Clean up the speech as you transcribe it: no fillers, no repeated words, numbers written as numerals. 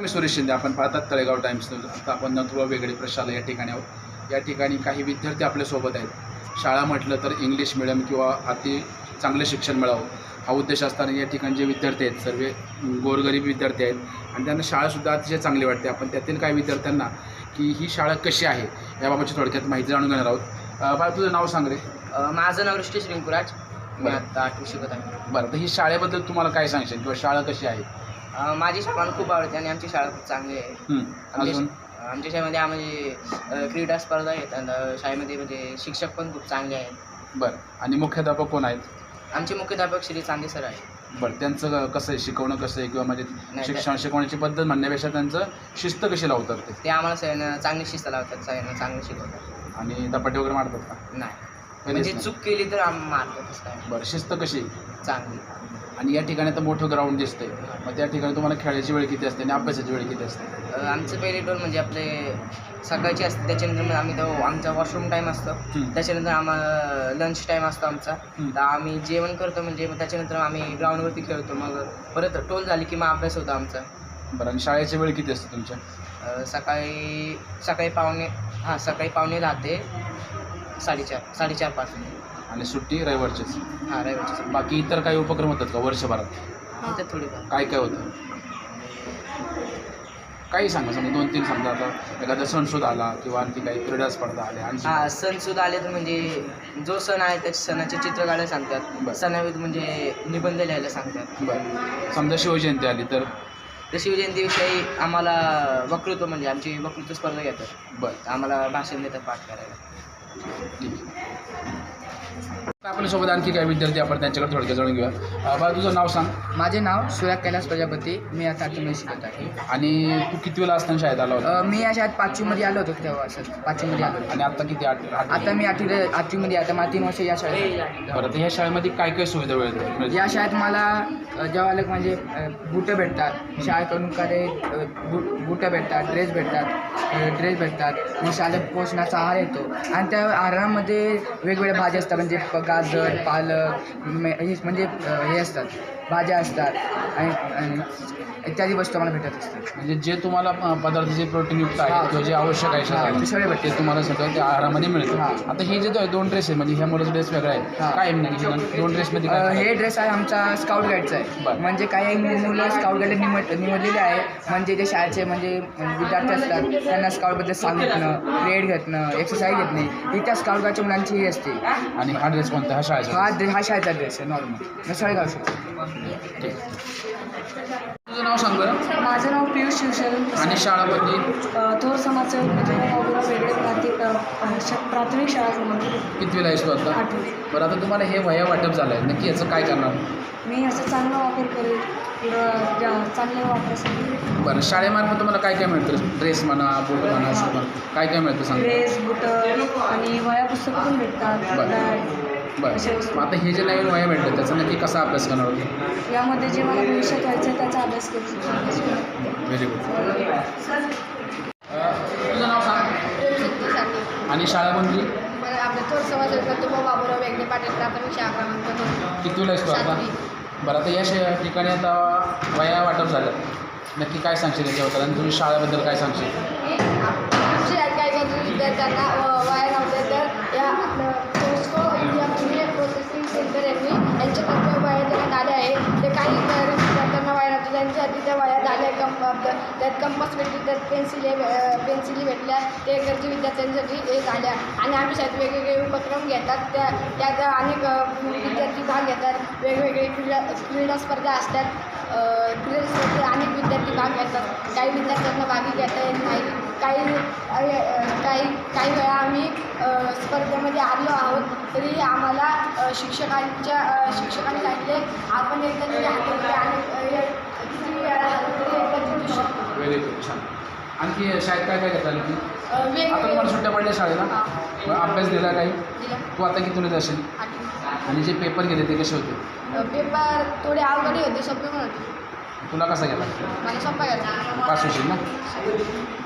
मी सुरेश शिंदे. आपण पाहतात Talegaon times news. आता आपण नथुराव वेगळे प्रशाला या ठिकाणी आहोत. या ठिकाणी काही विद्यार्थी आपल्यासोबत आहेत. शाळा म्हटलं तर इंग्लिश मिडियम किंवा अति चांगले शिक्षण मिळावं हा उद्देश असताना या ठिकाणी जे विद्यार्थी आहेत सर्व गोरगरीब विद्यार्थी आहेत आणि त्यांना शाळासुद्धा अतिशय चांगली वाटते. आपण त्यातील काही विद्यार्थ्यांना की ही शाळा कशी आहे याबाबतची थोडक्यात माहिती जाणून घेणार आहोत. बाळा तुझं नाव सांग रे. माझं नाव ऋषिकेश रिंकुराज. मी आता 8वी शिकत आहे. बरं, तर ही शाळेबद्दल तुम्हाला काय सांगशील किंवा शाळा कशी आहे? माझी शाळा मला खूप आवडते आणि आमची शाळा खूप चांगली आहे. अजून आमच्या शाळेमध्ये आम्ही क्रीडा स्पर्धा घेतात. शाळेमध्ये म्हणजे शिक्षक पण खूप चांगले आहेत. बरं, आणि मुख्याध्यापक कोण आहेत? आमचे मुख्याध्यापक श्री चांदे सर आहे. बरं, त्यांचं कसं आहे, शिकवणं कसं आहे किंवा म्हणजे शिकवण्याची पद्धत म्हणण्यापेक्षा त्यांचं शिस्त कशी लावतात ते आम्हाला सगळ्यांना चांगली शिस्त लावतात. सगळ्यांना चांगलं शिकवतात. आणि धपाटे वगैरे मारतात का? नाही, म्हणजे चूक केली तर आम्ही मारतोच काय. बरं, शिस्त कशी चांगली. आणि या ठिकाणी तर मोठं ग्राउंड दिसतंय, मग त्या ठिकाणी तुम्हाला खेळायची वेळ किती असते आणि अभ्यासाची वेळ किती असते? आमचं पहिले टोल म्हणजे आपले सकाळची असते. त्याच्यानंतर आम्ही तो आमचा वॉशरूम टाईम असतो. त्याच्यानंतर आम्हाला लंच टाईम असतो आमचा. तर आम्ही जेवण करतो म्हणजे मग त्याच्यानंतर आम्ही ग्राउंडवरती खेळतो. मग परत टोल झाली की मग अभ्यास होतो आमचा. बरं, आणि शाळेची वेळ किती असते तुमच्या? सकाळी पावणे 10 ते 4:30 आणि सुट्टी रविवारचीच? हां, रविवारची. बाकी इतर काही उपक्रम होतात का वर्षभरात? ते थोडीफार. काय काय होतं? काही सांगा, समजा 2-3 समजा. आता एखादा सणसूद आला किंवा आणखी काही क्रीडा स्पर्धा आल्या आणि हां, सणसुद्धा आले तर म्हणजे जो सण आहे त्या सणाचे चित्र काढायला सांगतात. सणाविरुद्ध म्हणजे निबंध लिहायला सांगतात. बरं, समजा शिवजयंती आली तर? तर शिवजयंतीविषयी आम्हाला वक्तृत्व म्हणजे आमची वक्तृत्व स्पर्धा घेतात. बरं, आम्हाला भाषण देतात पाठ करायला. आपल्यासोबत आणखी काही विद्यार्थी आपण त्यांच्याकडे थोडक्यात जाणून घेऊया. बा तुझं नाव सांग. माझे नाव सूर्या कैलास प्रजापती. मी आता 8वी शिकत आहे. आणि तू कितवीला असताना शाळेत आला होता? मी या शाळेत 5वीमध्ये आलो होतो तेव्हा. सर 5वीमध्ये आलो. आणि आता किती? आता मी 8वीमध्ये. आता मला 3 वर्ष या शाळेत. बरं, तर ह्या शाळेमध्ये काय काय सुविधा मिळतात? या शाळेत मला जेव्हा म्हणजे बुटं भेटतात. शाळेकडून काही बुटं भेटतात, ड्रेस भेटतात. मग शाळेत पोषणाचा आहार येतो आणि त्या आहारामध्ये वेगवेगळ्या भाज्या असतात. म्हणजे गाजर, पालक म्हणजे हे असतात, भाज्या असतात आणि इत्यादी वस्तू मला भेटत असतात. म्हणजे जे तुम्हाला पदार्थ जे प्रोटीनयुक्त आहे किंवा जे आवश्यक आहे ते सगळे ते तुम्हाला सगळं त्या आहारामध्ये मिळतं. आता हे जे 2 ड्रेस आहे, म्हणजे ह्या मुलाचा ड्रेस वेगळा आहे. काय म्हणजे 2 ड्रेसमध्ये काय? हे ड्रेस आहे आमचा स्काउट गाईडचा आहे. म्हणजे काही मुलं स्काउट गाईडला निवडलेले आहे. म्हणजे जे शाळेचे म्हणजे विद्यार्थी असतात त्यांना स्काउटबद्दल सांगितणं, प्रेड घेतणं, एक्सरसाइज घेतणे ही त्या स्काउट गाईडच्या मुलांची ही असते. आणि हा ड्रेस कोणता? हा शाळेचा? हा शाळेचा ड्रेस आहे नॉर्मल. मी सगळे घालू शकतो. तुझं नाव सांग बरं. माझं नाव पियुष शिवशरण. आणि शाळामध्ये थोर समाज वेगळे प्राथमिक शाळा क्रमांक कितवीला आहेस तू आता? 8वी. बरं, आता तुम्हाला हे वह्या वाटप झालं आहे, नक्की याचं काय करणार? मी याचा चांगला वापर करेल. चांगल्या वापरासाठी. बरं, शाळेमार्फत तुम्हाला काय काय मिळतं? ड्रेस म्हणा, बूट म्हणा, शूज म्हणा, काय काय मिळतं सांग? ड्रेस, बुटं आणि वह्या पुस्तकं पण भेटतात. बरं, मग आता हे जे नवीन वह्या भेटतं त्याचा नक्की कसा अभ्यास करणार होतं? यामध्ये जे मला भविष्यात व्हायचं आहे त्याचा अभ्यास करू शकतो. Very good. तुझं नाव सांग. आणि शाळा कोणती? आपल्या थोर समाज बाबूराव वेगळे पाटील प्राथमिक शाळा क्रमांक 2. कितवीला आहेस तू आता? बरं, आता या ठिकाणी आता वह्या वाटप झालं, नक्की काय सांगशील याच्याबद्दल आणि तुम्ही शाळेबद्दल काय सांगशील? शाळेत काही विद्यार्थ्यांना वया नव्हत्या तर या POSCO India Pune processing centre यांच्यातर्फे वया देण्यात आल्या आहे. ते काही विद्यार्थ्यांना वया नव्हत्या त्यांच्यासाठी त्या वया झाल्या. त्यात कंपास भेटली, त्यात पेन्सिली भेटल्या. ते गरजू विद्यार्थ्यांसाठी हे झाल्या. आणि आम्ही शाळेत वेगवेगळे उपक्रम घेतात. त्यात अनेक विद्यार्थी भाग घेतात. वेगवेगळे क्रीडा स्पर्धा असतात. क्रीडा स्पर्धेत अनेक विद्यार्थी भाग घेतात. काही विद्यार्थ्यांना भागी घेता येत नाही. काही वेळा आम्ही स्पर्धेमध्ये आलो आहोत तरी आम्हाला शिक्षकांनी सांगितले आपण एकदा तरी हाताळले आणि किती वेळा तरी एकदा जिंकू शकतो. व्हेरी गुड, छान. आणखी शाळेत काय काय घेतात आणखी? आता तुम्हाला सुट्ट्या पडल्या शाळेला? अभ्यास दिला काही? तू आता किती जाशील? आणि जे पेपर गेले ते कसे होते? पेपर थोडे अवघड होते, सोपे पण होते. तुला कसा गेला? मला सोपा गेला. पास होशील ना?